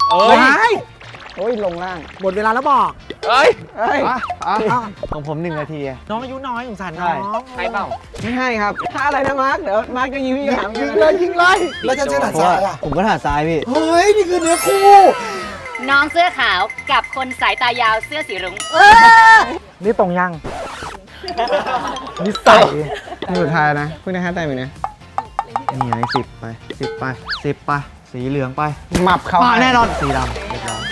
เอ้ยโอ้ยลงล่างหมดเวลาแล้วบอกเอ้ยเอ้ยของผม1 นาทีน้องอายุน้อยสงสารใช่น้องให้เปล่าไม่ให้ครับถ้าอะไรนะมาร์คเดี๋ยวมาร์คจะยิงพี่ถามยิงเลยยิงเลยแล้วจะเจอหนักเพราะซ้าว่ายอ่ะผมก็ถนัดซ้ายพี่เฮ้ย นี่คือเนื้อคู่น้องเสื้อขาวกับคนสายตายาวเสื้อสีรุ้งนี่ตรงยังนิสัยนี่สุดท้ายนะเพิ่งได้5 แต้มเองนะนี่ไง10 ไป 10 ไป 10 ไป สีเหลืองไปหมับเขาแน่นอนสีดำเรียบร้อย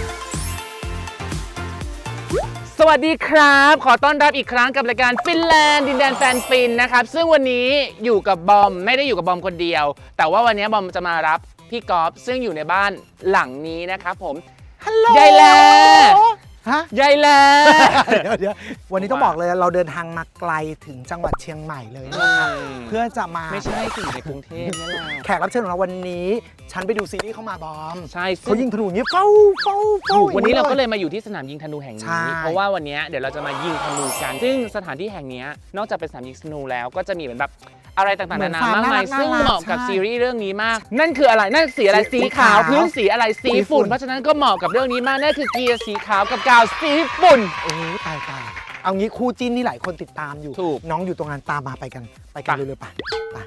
สวัสดีครับ ขอต้อนรับอีกครั้งกับรายการฟินแลนด์ดินแดนแฟนฟินนะครับซึ่งวันนี้อยู่กับบอมไม่ได้อยู่กับบอมคนเดียว แต่ว่าวันนี้บอมจะมารับพี่กอล์ฟซึ่งอยู่ในบ้านหลังนี้นะครับผมฮัลโหลยายแลฮะยายแลเดี๋ยววันนี้ต้องบอกเลยเราเดินทางมาไกลถึงจังหวัดเชียงใหม่เลยนะครับเพื่อจะมาไม่ใช่สิ่งในกรุงเทพนี่แหละแขกรับเชิญของเราวันนี้ ฉันไปดูซีรีส์เข้ามาบอมใช่ซึ่เขายิงธนูอย่างนี้เฝ้าถูกวันนี้เราก็เลยมาอยู่ที่สนามยิงธนูแห่งใช่นี้ เพราะว่าวันนี้เดี๋ยวเราจะมายิงธนูกัน ซึ่งสถานที่แห่งนี้นอกจากเป็นสนามยิงธนูแล้วก็จะมีเหมือนแบบอะไรต่างๆนานามากมายซึ่งเหมาะกับซีรีส์เรื่องนี้มาก นั่นคืออะไรนั่นสีอะไรสีขาวพื้นสีอะไรสีฝุ่นเพราะฉะนั้นก็เหมาะกับเรื่องนี้มากนั่นคือเกียร์สีขาวกับกาวสีฝุ่นโอ้ยตายเอางี้คู่จิ้นนี่หลายคนติดตามอยู่ถูกน้องอยู่ตรงนั้นตามมาไปกันเร็วๆไป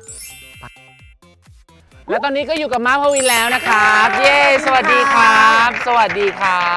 และตอนนี้ก็อยู่กับม้าพวินแล้วนะครับเย้สวัสดีครับ สวัสดีครับ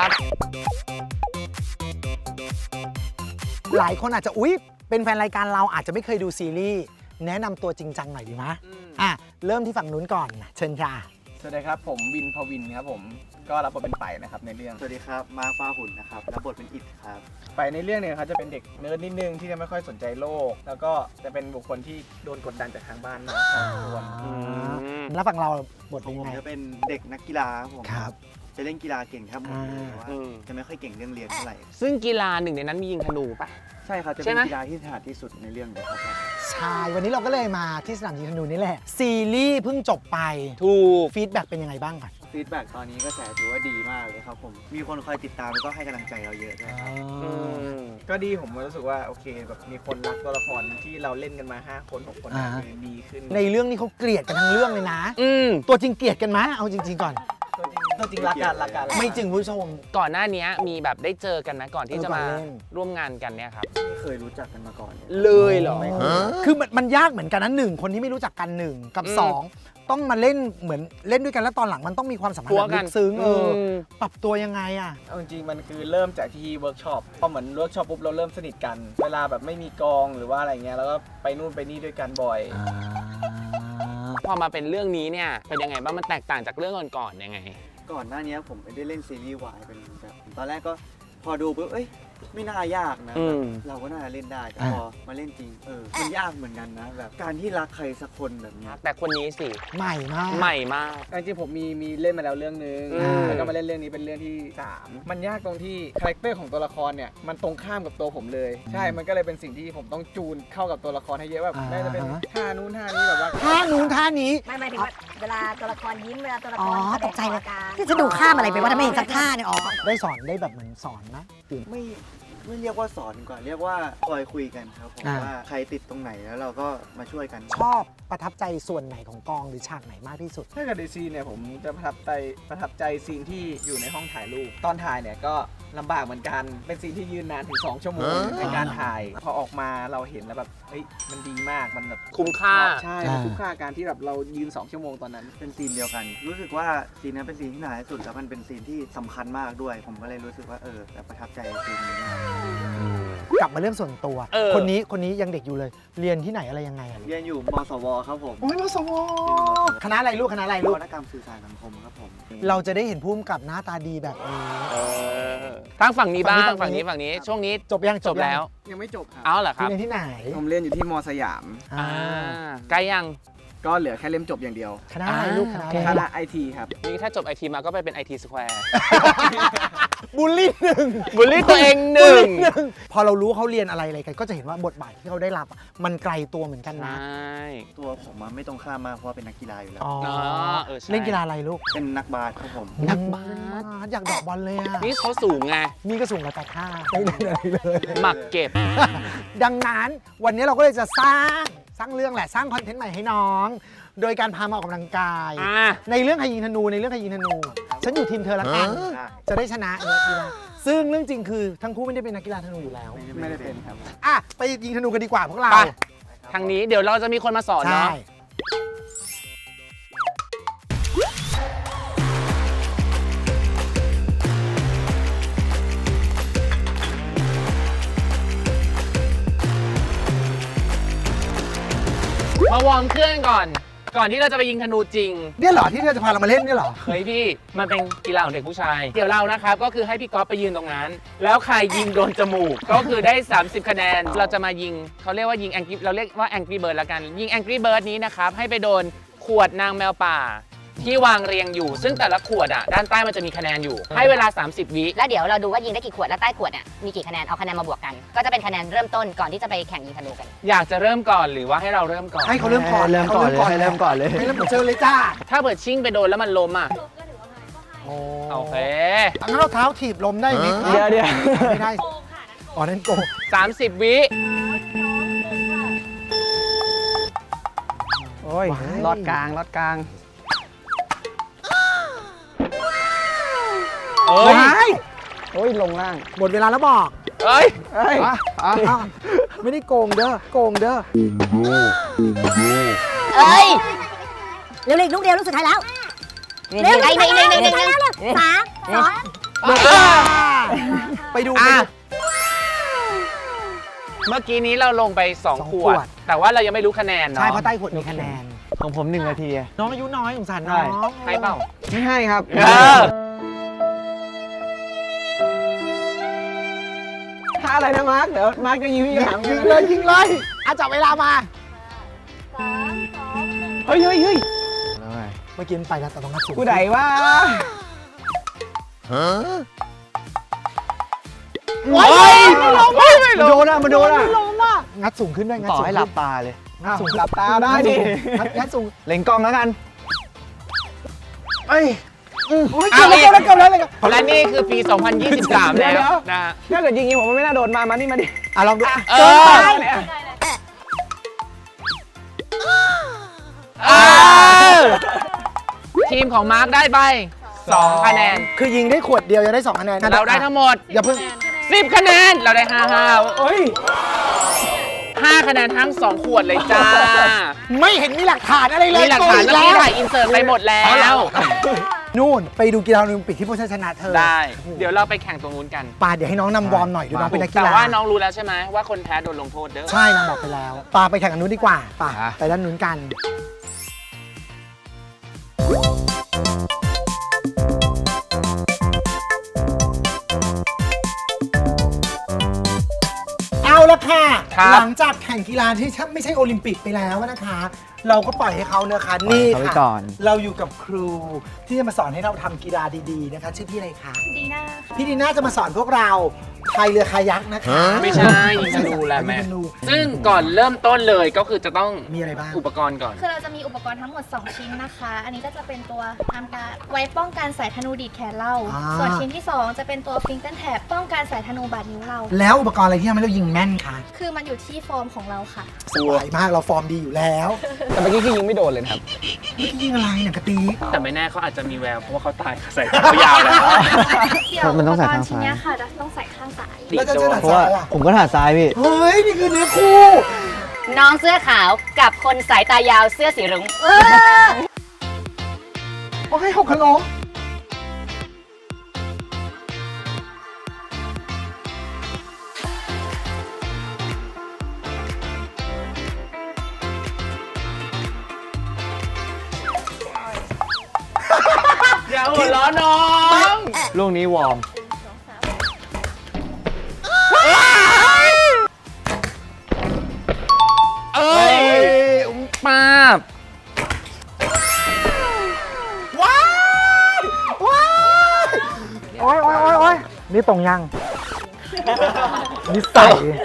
หลายคนอาจจะอุ๊ยเป็นแฟนรายการเราอาจจะไม่เคยดูซีรีส์แนะนำตัวจริงจังหน่อยดีมะเริ่มที่ฝั่งนู้นก่อนเชิญค่ะสวัสดีครับผมวินพวินครับผมก็รับบทเป็นไปนะครับในเรื่องสวัสดีครับ มาฟ้าหุ่นนะครับ รับบทเป็นอิดครับไปในเรื่องเนี่ยเขาจะเป็นเด็กเนิร์ดนิดนึงที่จะไม่ค่อยสนใจโลก แล้วก็จะเป็นบุคคลที่โดนกดดันจากทางบ้านมาพอสมควรแล้วฝั่งเราบทขอเป็นงยังผมไงจะเป็นเด็กนักกีฬาครับผมครับจะเล่นกีฬาเก่งครับผมอ่าแต่ว่าจะไม่ค่อยเก่งเรื่องเรียนเท่าไหร่ซึ่งกีฬาหนึ่งในนั้นมียิงธนูปะใช่ครับ จะใช่เป็นไหมกีฬาที่ถนัดที่สุดในเรื่องเลยครับใช่วันนี้เราก็เลยมาที่สนามยิงธนูนี่แหละซีรีส์เพิ่งจบไปถูกฟีดแบ็กเป็นยังไงบ้างก่อนฟีดแบ็กตอนนี้กระแสถือว่าดีมากเลยครับผม มีคนคอยติดตามแล้วก็ให้กำลังใจเราเยอะด้วยครับก็ดีผมรู้สึกว่าโอเคแบบมีคนรักตัวละครที่เราเล่นกันมา5 คน 6 คนคือดีขึ้นในเรื่องนี้เขาเกลียดกันทั้งเรื่องเลยนะ ตัวจริงเกลียดกันไหมเอาจริงๆก่อนตัวจริงรักกันไม่จริงผู้ชมก่อนหน้านี้มีแบบได้เจอกันไหมก่อนที่จะมาก่อนเล่นร่วมงานกันเนี่ยครับไม่เคยรู้จักกันมาก่อนเลยเลยเหรอคือมันยากเหมือนกันนะหนึ่งคนที่ไม่รู้จักกันหนึ่งกับสองต้องมาเล่นเหมือนเล่นด้วยกันแล้วตอนหลังมันต้องมีความสัมพันธ์แบบลึกซึ้งปรับตัวยังไงอ่ะเอาจริงๆมันคือเริ่มจากที่เวิร์กช็อปพอเหมือนเวิร์กช็อปปุ๊บเราเริ่มสนิทกัน เวลาแบบไม่มีกองหรือว่าอะไรเงี้ยแล้วก็ไปนู่นไปนี่ด้วยกันบ่อยพอมาเป็นเรื่องนี้เนี่ยเป็นยังไงบ้างมันแตกต่างจากเรื่องก่อนๆยังไงก่อนหน้านี้ผมไม่ได้เล่นซีรีส์วายเป็นแบบตอนแรกก็พอดูปุ๊บเอ้ยไม่น่ายากนะแบบเราก็น่าจะเล่นได้แต่พอมาเล่นจริงมันยากเหมือนกันนะแบบการที่รักใครสักคนแบบเนี้ยแต่คนนี้สิใหม่มากใหม่มากจริงๆผมมีเล่นมาแล้วเรื่องนึงอืมแล้วก็มาเล่นเรื่องนี้เป็นเรื่องที่ 3 มันยากตรงที่คาแรคเตอร์ของตัวละครเนี่ยมันตรงข้ามกับตัวผมเลย ใช่ มันก็เลยเป็นสิ่งที่ผมต้องจูนเข้ากับตัวละครให้เยอะแบบไม่ว่าจะเป็นท่านู้นท่านี้แบบว่าท่านู้นท่านี้ไม่ถึงว่าเวลาตัวละครยิ้มเวลาตัวละคอ๋อรตกใจเลยการที่จะดูข้ามอะไรไปว่าทำไมเห็นสักท่าเนี่ยอ๋อได้สอนได้แบบเหมือนสอนนะตื่นไม่เรียกว่าสอนดีกว่าเรียกว่าคอยคุยกันครับผมว่าใครติดตรงไหนแล้วเราก็มาช่วยกันชอบประทับใจส่วนไหนของกองหรือฉากไหนมากที่สุดถ้าเกิดในซีนเนี่ยผมจะประทับใจซีนที่อยู่ในห้องถ่ายรูปตอนถ่ายเนี่ยก็ลำบากเหมือนกันเป็นซีนที่ยืนนานถึง2 ชั่วโมงในการถ่ายพอออกมาเราเห็นแล้วแบบเฮ้ยมันดีมากมันแบบคุ้มค่าใช่มันคุ้มค่าการที่แบบเรายืน2 ชั่วโมงตอนนั้นเป็นซีนเดียวกัน รู้สึกว่าซีนนั้นเป็นซีนที่หนาที่สุดแล้วมันเป็นซีนที่สำคัญมากด้วย ผมก็เลยรู้สึกว่าแบบประทับใจซีนนี้มากกลับมาเรื่องส่วนตัว คนนี้ยังเด็กอยู่เลย เรียนที่ไหนอะไรยังไงอะเรียนอยู่มสวครับผมโอ้ยมสวคณะอะไรลูกคณะอะไรนลูกวัตกรรมสื่อสารสังคมครับผมเราจะได้เห็นภูมิกับหน้าตาดีแบบนี้ทางฝั่งนี้บ้างฝั่ฝั่งงนี้นี้ฝั่งนี้ช่วงนี้จบยังจบแล้วยังไม่จบครับเอาเหรอครับเรียนที่ไหนผมเรียนอยู่ที่มสยามใกล้ยังก็เหลือแค่เล่มจบอย่างเดียวคณะอะไรลูกคณะคอะไรณะไอทีครับนี่ถ้าจบไอทีมาก็ไปเป็น IT Square บูลลี่หนึ่งบูลลี่ตัวเองหนึ่งพอเรารู้เขาเรียนอะไรกันก็จะเห็นว่าบทบาทที่เขาได้รับอะมันไกลตัวเหมือนกันใชนะ่ตัวผมอะไม่ตรงข้ามมากเพราะว่าเป็นนักกีฬาอยู่แล้วอ๋อใช่เล่นกีฬาอะไรลูกเป็นนักบาสครับผมนักบาสอยากเดอกบอลเลยอ่ะนี่เขาสูงไงนี่ก็สูงกว่าแต่ท่าไม่ได้อะไรเลยหมักเก็บดังนั้นวันนี้เราก็เลยจะสร้างเรื่องแหละสร้างคอนเทนต์ใหม่ให้น้อง โดยการพามาออกกำลังกาย ในเรื่องใครยิงธนูในเรื่องใครยิงธนูฉันอยู่ทีมเธอละกันจะได้ชนะเนี่ยกีฬาซึ่งเรื่องจริงคือทั้งคู่ไม่ได้เป็นนักกีฬาธนูอยู่แล้วไม่ได้เป็นครับอ่ะไปยิงธนูกันดีกว่าพวกเราไป ทางนี้เดี๋ยวเราจะมีคนมาสอนใช่เนาะมาวอร์มเครื่องก่อนที่เราจะไปยิงธนูจริงเนี่ยเหรอที่เธอจะพาเรามาเล่นเนี่ยเหรอเฮ้ยพี่มันเป็นกีฬาของเด็กผู้ชาย เดี๋ยวเรานะครับก็คือให้พี่ก๊อฟไปยืนตรงนั้น แล้วใครยิงโดนจมูก ก็คือได้ 30 คะแนน เราจะมายิงเขาเรียกว่ายิงแองกี้เราเรียกว่าแองกี้เบิร์ดละกัน ยิงแองกี้เบิร์ดนี้นะครับให้ไปโดนขวดนางแมวป่า ที่วางเรียงอยู่ ซึ่งแต่ละขวดอ่ะด้านใต้มันจะมีคะแนนอยู่ ให้เวลา 30 วิแล้วเดี๋ยวเราดูว่ายิงได้กี่ขวด แล้วใต้ขวดเนี่ยมีกี่คะแนน เอาคะแนนมาบวกกัน ก็จะเป็นคะแนนเริ่มต้นก่อนที่จะไปแข่งยิงธนูกันอยากจะเริ่มก่อนหรือว่าให้เราเริ่มก่อนให้เขาเริ่มก่อนเริ่มก่อนเลยให้เริ่มก่อนเลยให้เริ่มก่อนเจอเลยจ้าถ้าเปิดชิ่งไปโดนแล้วมันล้มอ่ะโอ้โอเคงั้นเราเท้าถีบลมได้ไหมครับเดี๋ยวไม่ได้อ๋อนั่นโกง 30 วิโอ้ยลอดกลางลอดกลางเอ้ยว้ายโอ้ยลงล่างหมดเวลาแล้วบอกเอ้ยเอ้ยอ้าวไม่ได้โกงเด้อโกงเด้อเอ้ยเร็วๆอีกลูกเดียวลูกสุดท้ายแล้วเร็วๆอีกหนึ่งเร็วๆเร็วๆ3 ไปดูอ่ะ เมื่อกี้นี้เราลงไป 2 ขวด แต่ว่าเรายังไม่รู้คะแนน 2 เนาะใช่เพราะใต้ขวดมีคะแนนของผม1 นาทีน้องอายุน้อยสงสารน้องให้เปล่าไม่ให้ครับเออถ้าอะไรนะมาร์คเดี๋ยวมาร์คจะยิงพี่ถามยิงเลยยิงเลยอาจับเวลามาเฮ้ยเมื่อกี้มันไปแล้วแต่ต้องนัดสูงกูไหนวะโอ้ยไม่ลงมันโดนอ่ะมันโดนอ่ะงัดสูงขึ้นด้วยงัดต่อสูงให้หลับตาเลยงัดสูงหลับตาได้ดิงัดสูงเล็งกล้องแล้วกันเอ้ยโอ้ยเกือบแล้วเลยและนี่คือปี 2023 แล้วนะฮะถ้าเกิดยิงอย่างนี้ผมว่าไม่น่าโดนมานี่มาดิอ่ะลองดูเออเนี่ยทีมของมาร์คได้ไป 2 คะแนนคือยิงได้ขวดเดียวยังได้2 คะแนนเราได้ทั้งหมดอย่าเพิ่ง 10 คะแนน เราได้ 5 เฮ้ย 5 คะแนนทั้ง 2 ขวดเลยจ้าไม่เห็นมีหลักฐานอะไรเลยมีหลักฐานเมื่อกี้ถ่ายอินเสิร์ตไปหมดแล้วนู่นไปดูกีฬาโอลิมปิกที่พวกฉันชนะเธอได้ เดี๋ยวเราไปแข่งตรงนู้นกันปาเดี๋ยวให้น้องนำวอร์มหน่อยดูน้องเป็นนักกีแต่ฬาว่าน้องรู้แล้วใช่ไหมว่าคนแพ้โดนลงโทษเด้อใช่นางบอกไปแล้วปาไปแข่งกันนู้นดีกว่าปาไปด้านนู้นกันเอาละค่ะครับหลังจากแข่งกีฬาที่ไม่ใช่โอลิมปิกไปแล้วนะคะ เราก็ปล่อยให้เขานะคะนี่ปล่อยเขาไว้ค่ะก่อนเราอยู่กับครูที่จะมาสอนให้เราทำกีฬาดีๆนะคะ ชื่อพี่อะไรคะดีน่าพี่ดีน่าจะมาสอนพวกเราพายเรือคายักนะคะไม่ใช่ยิงธนูแล้วยิแม่งธนูซึ่งก่อนเริ่มต้นเลยก็คือจะต้องมีอะไรบ้างอุปกรณ์ก่อนคือเราจะมีอุปกรณ์ทั้งหมด 2 ชิ้นนะคะ อันนี้ก็จะเป็นตัวทำการไว้ป้องกันสายธนูดีดแขนเรา ส่วนชิ้นที่ 2 จะเป็นตัวฟิงเกิลแท็บป้องกันสายธนูบาดนิ้วเราแล้วอุปกรณ์อะไรที่ทำให้เรายิงแม่นคะคือมันอยู่ที่ฟอร์มของเราค่ะสบายมากเราฟอร์มดีอยู่แล้วแต่เมื่อกี้คือยิงไม่โดนเลยนะครับนี่ยิงอะไรเนี่ยกระตีแต่ไม่แน่เขาอาจจะมีแววเพราะว่าเขาตายใส่เขายาวแล้วเดี๋ยวมันต้องใส่ปกรข้างณ์ชิ้นซ้ายเนี้ยค่ะจะต้องใส่ข้างซ้ายแล้วจะเจอหนักเพราะว่าซ้ายอ่ะผมก็ถนัดซ้ายพี่เฮ้ย นี่คือเนื้อคู่น้องเสื้อขาวกับคนสายตายาวเสื้อสีรุ้งโอ้ยหกขลมอย่าหัวล้อน้องลูกนี้วอร์มเอ้ยป้าบว้ายว้ายโอ้ยโอ้ยโอ้ยโอ้ยนี่ตรงยังนี่ใส่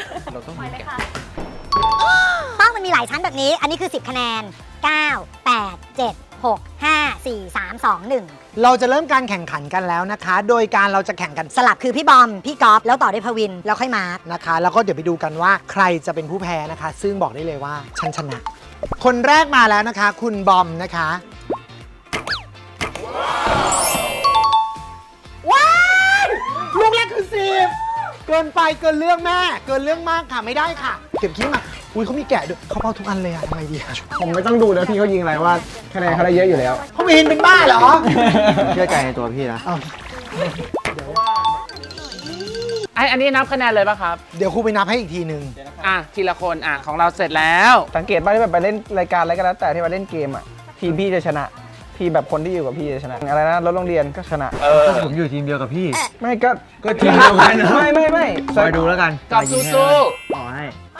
เป้ามันมีหลายชั้นแบบนี้ อันนี้คือ 10 คะแนน 9 8 7 6 5 4 3 2 1 เราจะเริ่มการแข่งขันกันแล้วนะคะ โดยการเราจะแข่งกันสลับคือพี่บอม พี่กอล์ฟแล้วต่อด้วยพวิน แล้วค่อยมาร์คนะคะ แล้วก็เดี๋ยวไปดูกันว่าใครจะเป็นผู้แพ้นะคะ ซึ่งบอกได้เลยว่าฉันชนะ คนแรกมาแล้วนะคะ คุณบอมนะคะกินไปเกินเรื่องแม่ เกินเรื่องมากค่ะไม่ได้ค่ะ เก็บขี้มาอุ้ยเขามีแกะด้วยเขาเป้าทุกอันเลยอะทำไมดีอะผมไม่ต้องดูนะพี่เขายิงอะไรว่าคะแนนเขาได้เยอะอยู่แล้วเขาไม่เห็นเป็นบ้าเหรอเชื่อใจในตัวพี่นะอ้าวอันนี้นับคะแนนเลยป่ะครับเดี๋ยวครูไปนับให้อีกทีนึงทีละคนของเราเสร็จแล้วสังเกตบ้างที่แบบไปเล่นรายการอะไรก็แล้วแต่ที่มาเล่นเกมอ่ะทีมพี่จะชนะทีมแบบคนที่อยู่กับพี่จะชนะอะไรนะรถโรงเรียนก็ชนะผมอยู่ทีมเดียวกับพี่ไม่ก็ทีมเดียวกันนะไม่คอยดูแล้วกันกับสู้ต่อให้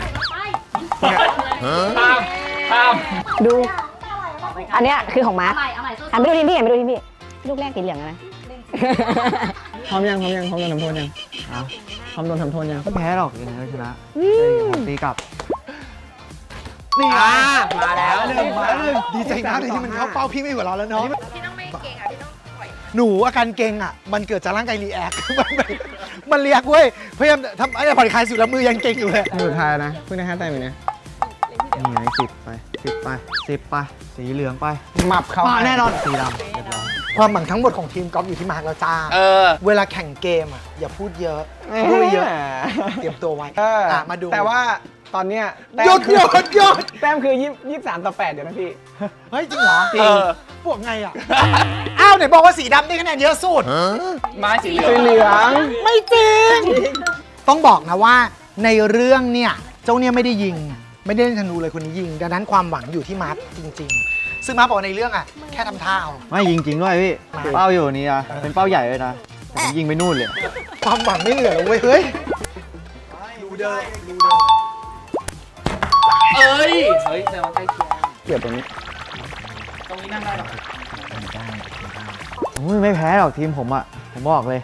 ข้ามดู อันเนี้ยคือของมาร์คหันไปดูทีมพี่หันไปดูทีมพี่ ลูกแรกสีเหลืองอะนะพร้อมยังทำโทษยังพร้อมโดนทำโทษยังไม่แพ้หรอกยังไงก็ชนะผมตีกลับนี่มาแล้วดีใจมากเลยที่มันเข้าเป้าพี่ไม่หัวเราะแล้วเนาะพี่ต้องไม่เก่งอ่ะพี่ต้องปล่อยหนูอาการเก่งอ่ะมันเกิดจากร่างกายรีแอค มันเรียกเว้ยพยายามทำอะไรผ่อนคลายสุดแล้วมือยังเก่งอยู่เลยสุดท้ายนะเพิ่งได้5 แต้มเองนะนี่ไง10 ไป 10 ไป สีเหลืองไปหมับเขาแน่นอนสีดำเรียบร้อยความหวังทั้งหมดของทีมกอล์ฟอยู่ที่มาร์คแล้วจ้า เวลาแข่งเกมอ่ะอย่าพูดเยอะพูดเยอะเตรียมตัวไว้มาดูแต่ว่าตอนเนี้ยหยุดแต้มคือ23-8เดี๋ยวนะพี่เฮ้ยจริงเหรอจริงพวกไงอ่ะอ้าวไหนบอกว่าสีดำได้คะแนนเยอะสุดไม้สีเหลืองสีเหลืองไม่จริง ต้องบอกนะว่าในเรื่องเนี่ยเจ้าเนี่ยไม่ได้ยิง ไม่ได้เล่นธนูเลยคนนี้ยิง ดังนั้นความหวังอยู่ที่มาร์คจริง ๆ ซึ่งมาร์คบอกว่าในเรื่องอ่ะแค่ทำท่าเอาไม่ยิงจริงด้วยพี่ เป้าอยู่นี่นะเป็นเป้าใหญ่เลยนะแต่ผมยิงไปนู่นเลยความหวังไม่เหลือเลยเว้ยเฮ้ยดูเดิมเฮ้ยแต่ว่าใกล้เคียงเกี่ยวตรงนี้ตรงนี้นั่งได้หรอไม่แพ้หรอกทีมผมอ่ะ ผมบอกเลย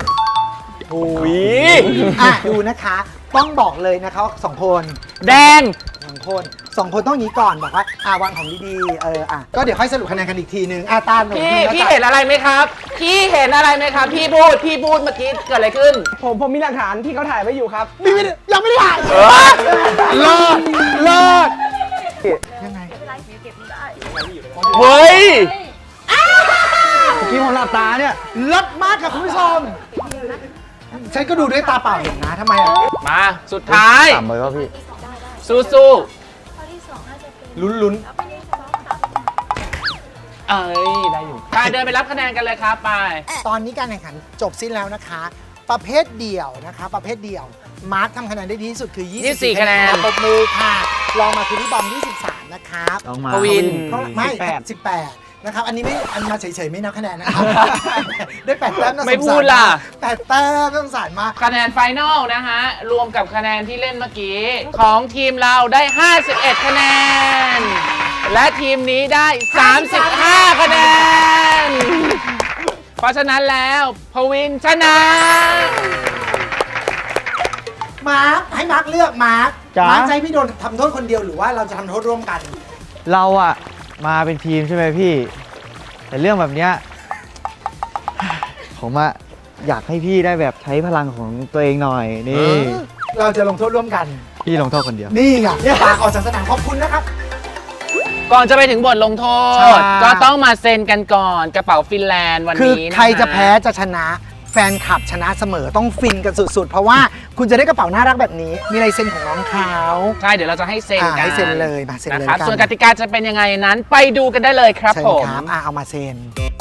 ดูนะคะต้องบอกเลยนะคะว่า2 คนแดง 2 คนต้องอย่างนี้ก่อนบอกว่าวางของดีๆก็เดี๋ยวค่อยสรุปคะแนนกันอีกทีนึงตามหนูพี่เห็นอะไรไหมครับ พี่เห็นอะไรไหมครับ พี่พูดเมื่อกี้เกิดอะไรขึ้นผมมีหลักฐานที่เขาถ่ายไว้อยู่ครับยังไม่ได้ถ่ายเลิศยังไงเฮ้ยเมื่อกี้ผมหลับตาเนี่ยเลิศมากค่ะคุณผู้ชมฉันก็ดูด้วยตาเปล่าเห็นนะทำไมอ่ะมาสุดท้ายต่ำไปวะพี่สู้ลุ้นได้อยู่ไปเดินไปรับคะแนนกันเลยครับไปตอนนี้การแข่งขันจบสิ้นแล้วนะคะ ประเภทเดี่ยวนะคะประเภทเดี่ยวมาร์คทำคะแนนได้ดีที่สุดคือ24 คะแนนปรบมือค่ะลองมาคือพี่บอม23นะครับต้องมาปวินไม่18นะครับอันนี้ไม่อันมาเฉยๆไม่นับคะแนนนะครับ ได้8แต้มน่าสงสารไม่พูดล่ะ 8แต้มน่าสงสารมากคะแนนไฟนอลนะฮะ รวมกับคะแนนที่เล่นเมื่อกี้ ของทีมเราได้ 51 คะแนน และทีมนี้ได้ 35 คะแนน เพราะฉะนั้นแล้วพวินชนะมาร์คให้มาร์คเลือกมาร์คจ๊ะมาร์คจะให้พี่โดนทำโทษคนเดียวหรือว่าเราจะทำโทษร่วมกันเราอะมาเป็นทีมใช่ไหมพี่ แต่เรื่องแบบเนี้ยผมอะอยากให้พี่ได้แบบใช้พลังของตัวเองหน่อยนี่เราจะลงโทษร่วมกันพี่ลงโทษคนเดียวนี่ไงปากออกจากสนามขอบคุณนะครับก่อนจะไปถึงบทลงโทใช่ษ ก็ต้องมาเซ็นกันก่อนกระเป๋าฟินแลนด์วันคือนี้นใครจะแพ้จะชนะแฟนคลับชนะเสมอต้องฟินกันสุดๆ เพราะว่าคุณจะได้กระเป๋าน่ารักแบบนี้ มีลายเซ็นของน้องเขาใช่ เดี๋ยวเราจะให้เซ็นกันให้เซ็นเลยมาเซ็นเลยนะครับกันส่วนกติกาจะเป็นยังไงนั้นไปดูกันได้เลยครับเชิญผมครับเอามาเซ็น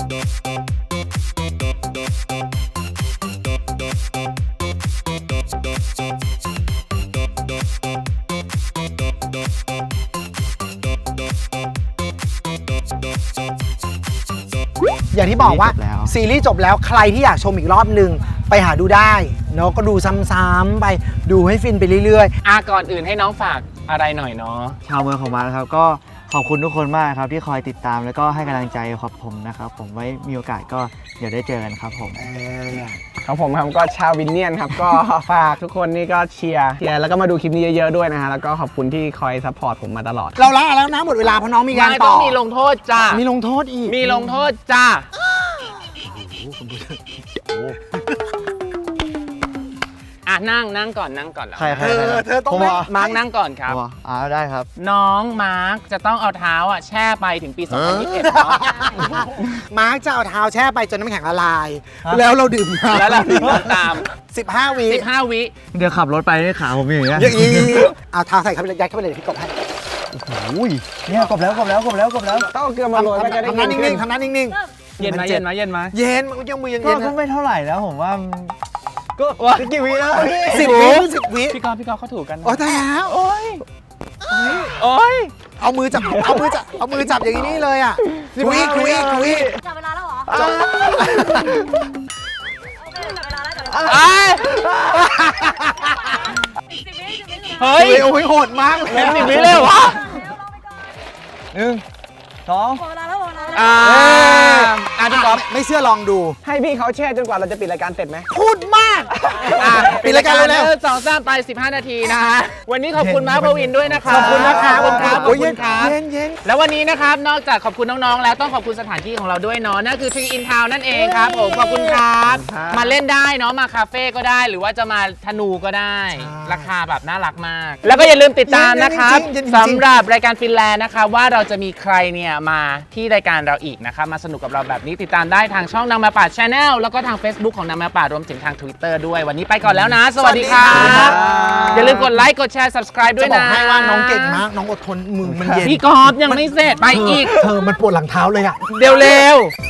อย่างที่บอกว่าซีรีส์จบแล้วซีรีส์จบแล้วใครที่อยากชมอีกรอบหนึ่งไปหาดูได้เนาะก็ดูซ้ำๆไปดูให้ฟินไปเรื่อยก่อนอื่นให้น้องฝากอะไรหน่อยเนาะชาวเมืองของมานะครับก็ขอบคุณทุกคนมากครับที่คอยติดตามแล้วก็ให้กำลังใจครับผมนะครับผมไว้มีโอกาสก็เดี๋ยวได้เจอกันครับผมครับผมครับก็ชาววินเนียนครับ ก็ ฝากทุกคนนี่ก็เชียร์แล้วก็มาดูคลิปนี้เยอะๆด้วยนะฮะแล้วก็ขอบคุณที่คอยซัพพอร์ตผมมาตลอดๆ เราละแล้วนะหมดเวลาเพราะน้องมีงานไม่ต่ต้อองมีลงโทษจ้ามีลงโทษอีกมีลงโทษจ้านั่งก่อนแล้วใครเธอต้องผมไม่เหรอมาร์กนั่งก่อนครับผมเหรอได้ครับน้องมาร์กจะต้องเอาเท้าแช่ไปถึงปี 2021เนาะมาร์คจะเอาเท้าแช่ไปจนน้ำแข็งละลาย แล้วเราดื่มน้ำแล้วเราถึงตาม 15 วิ 15 วิเดี๋ยวขับรถไปให้ขาผมอย่างเงี้ยอย่างนี้เอาเท้าใส่เข้าไปเลยยัดเข้าไปเลยพี่กบให้อุ้ยเนี่ยกบแล้วต้องเอาเกลือมาโรยมันจะได้ทำหน้านิ่งๆทำหน้านิ่งเย็นไหมเย็นไหมเย็นไหมๆ เย็นมันยังมือยังก็เย็นก็ไม่เท่าไหร่นะผมว่าก็กี่วิแล้วพี่ 10 วิ10 วิพี่กอล์ฟเขาถูกกันนะโอ้ตายแล้วโอ้ยเอามือจับอย่างนี้เลยอ่ะคุยจับเวลาแล้วเหรอเฮ้ยโอ้ยโหดมากเลย 10 วิเลยวะ 1 2 พี่กอล์ฟไม่เชื่อลองดูให้พี่เขาแช่จนกว่าเราจะปิดรายการเสร็จไหมพูดมากปิดรายการเร็วสองสามไป 15 นาทีนะฮะวันนี้ขอบคุณมาร์ค ปวินด้วยนะครับขอบคุณนะครับขอบคุณครับขอบคุณครับเย็นแล้ววันนี้นะครับนอกจากขอบคุณน้องๆแล้วต้องขอบคุณสถานที่ของเราด้วยเนาะนั่นคือ Tree in Town นั่นเองครับผมขอบคุณครับมาเล่นได้เนาะมาคาเฟ่ก็ได้หรือว่าจะมาธนูก็ได้ ราคาแบบน่ารักมาก แล้วก็อย่าลืมติดตามนะครับสำหรับรายการฟินแลนด์นะคะว่าเราจะมีใครเนี่ยมาที่รายการเราอีกนะครับมาสนุกกับเราแบบนี้ติดตามได้ทางช่องนางมาป่า Channel แล้วก็ทาง Facebook ของนางมาป่ารวมถึงทาง Twitter ด้วยวันนี้ไปก่อนแล้วนะ สวัสดีครับอย่าลืมกดไลค์กดแชร์ subscribe ด้จะวยบอนะกให้ว่าน้องเก่งมากน้องอดทนมือมันเย็นพี่กอล์ฟยังไม่เสร็จไปอีกเธอมันปวดหลังเท้าเลยอ่ะเร็วๆ